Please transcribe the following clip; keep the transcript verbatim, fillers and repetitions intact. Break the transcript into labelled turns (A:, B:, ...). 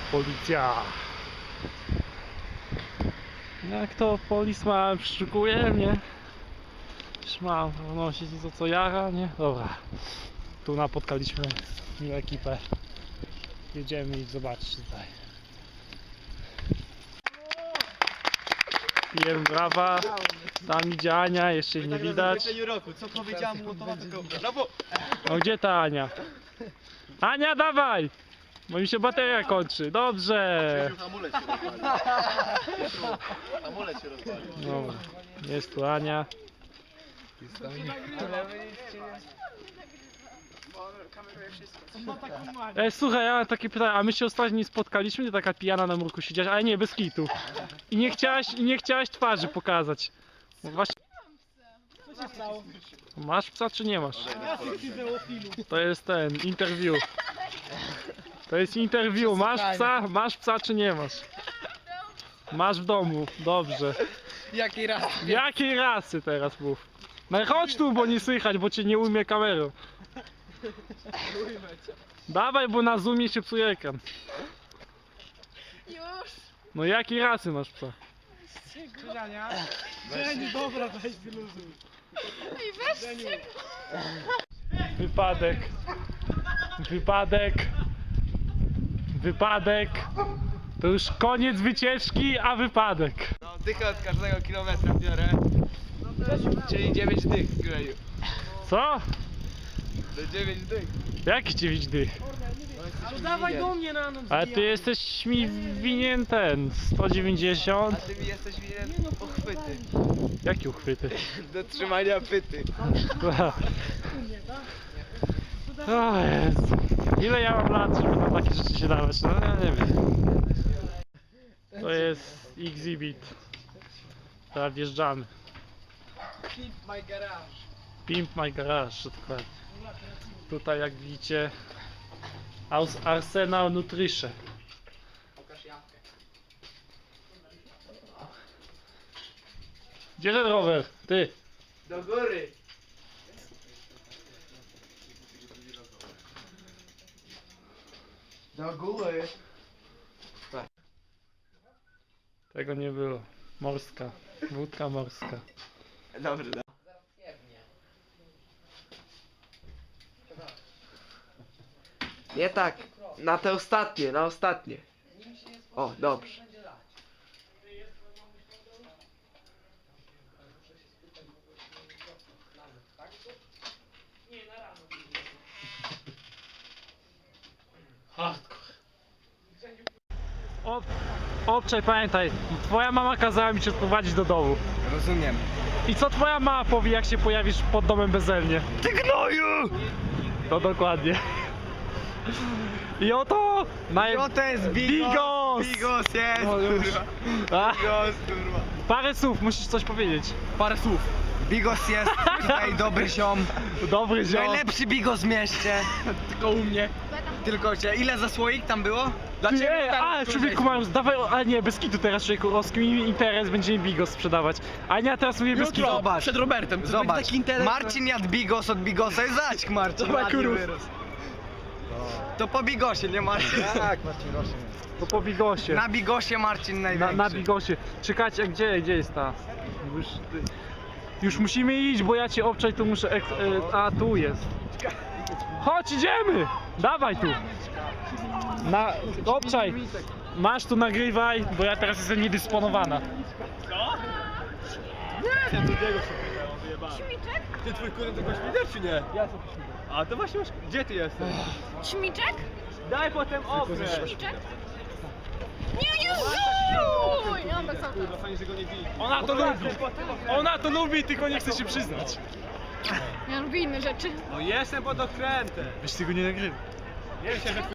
A: Policja. Jak to polisman przeszukuje mnie? Już mam wnosić to co jara, nie? Dobra. Tu napotkaliśmy miłą ekipę. Jedziemy i zobaczyć tutaj. Pijemy brawa. Tam idzie Ania, jeszcze jej nie widać.
B: Co powiedziałem mu, to brawo!
A: No gdzie ta Ania? Ania, dawaj! Bo mi się bateria kończy. Dobrze.
B: Amulet się rozwalił. Amulet się rozwalił.
A: Dobra. Jest tu Ania. Ej, słuchaj, ja mam takie pytanie, a my się ostatnio nie spotkaliśmy, nie taka pijana na murku siedziałaś, ale nie, bez kitu. I nie chciałaś, i nie chciałaś twarzy pokazać. No właśnie.
C: Co się stało?
A: Masz psa czy nie masz?
C: Jacek fizeofilu.
A: To jest ten, interview. To jest interview, masz psa, masz psa czy nie masz? Masz w domu, dobrze.
C: Jakiej raz?
A: Jakiej rasy teraz mów? No chodź tu, bo nie słychać, bo cię nie ujmie kamerą. Dawaj, bo na zoomie się psuje ekran.
D: Już!
A: No jakiej rasy masz psa?
C: Krzyżania. Żeniu, dobra, weź wyluzuj.
D: Ej, weźcie!
A: Wypadek. Wypadek. Wypadek. To już koniec wycieczki, a wypadek.
B: No, dychę od każdego kilometra biorę. Czyli dziewięć dych w greju.
A: Co?
B: To dziewięć dych.
A: Jaki ci widzi?
C: Ale dawaj do mnie na noc.
A: Ale ty jesteś mi winien ten sto
B: A
A: dziewięćdziesiąt.
B: ty mi jesteś winien uchwyty.
A: Jakie uchwyty?
B: Do trzymania pyty.
A: O Jezu. Ile ja mam lat, żeby na takie rzeczy się dawać? No ja nie wiem. To jest Exhibit. Teraz wjeżdżamy.
C: Keep my garage.
A: Pimp My Garage, dokładnie. Tutaj jak widzicie Aus Arsenal Nutrition. Gdzie ten rower? Ty!
B: Do góry. Do góry.
A: Tego nie było. Morska. Wódka morska.
B: Dobrze, da. Nie tak, na te ostatnie, na ostatnie. O, dobrze.
A: Hardcore. Ob, obczaj, pamiętaj, twoja mama kazała mi cię odprowadzić do domu.
B: Rozumiem.
A: I co twoja mama powie, jak się pojawisz pod domem bezelnie?
B: Ty gnoju!
A: To dokładnie. I oto naj...
B: No to jest Bigos!
A: Bigos!
B: Bigos jest,
A: O, już.
B: kurwa.
A: A,
B: Bigos, kurwa.
A: parę słów, musisz coś powiedzieć.
B: Parę słów. Bigos jest tutaj dobry ziom.
A: Dobry ziom.
B: Najlepszy Bigos w mieście. Tylko u mnie. Tylko cię. Ile za słoik tam było? Dla
A: Ty,
B: ciebie
A: ej,
B: tam
A: a,
B: tu
A: człowieku,
B: weź.
A: mam, dawaj, a nie, bez kitu teraz, człowieku, rozkminimy interes, będziemy Bigos sprzedawać. A nie, teraz mówię bez kitu.
B: Zobacz.
C: Przed Robertem. To
B: Zobacz.
C: taki interes.
B: Marcin jadł Bigos od Bigosa i zaćk Marcin.
C: Dawaj,
B: ładnie
C: kurów.
B: wyrósł. To po Bigosie, nie Marcin? Tak, Marcin Gosie.
A: To po Bigosie.
B: Na Bigosie Marcin
A: Na,
B: największy.
A: na Bigosie. Czekajcie, a gdzie, gdzie jest ta? Już, już musimy iść, bo ja cię obczaj, tu muszę... Ek, e, a, tu jest. Chodź, idziemy! Dawaj tu. Na, obczaj. Masz tu, nagrywaj, bo ja teraz jestem niedysponowana.
D: Śmiczek?
B: Ty twój kurę tylko świder czy nie? Ja co A to właśnie masz... Gdzie ty jesteś?
D: Śmiczek?
B: Daj potem obrę.
D: Śmiczek? Nie, Jezu! Ja mam bez auta.
B: Fajnie, że go nie widzi.
A: Ona to lubi. Ona to lubi, tylko nie chce się przyznać.
D: Ja lubię inne rzeczy.
B: No jestem pod okrętem.
A: Wiesz, tego nie nagrywaj.
B: Nie wiem, że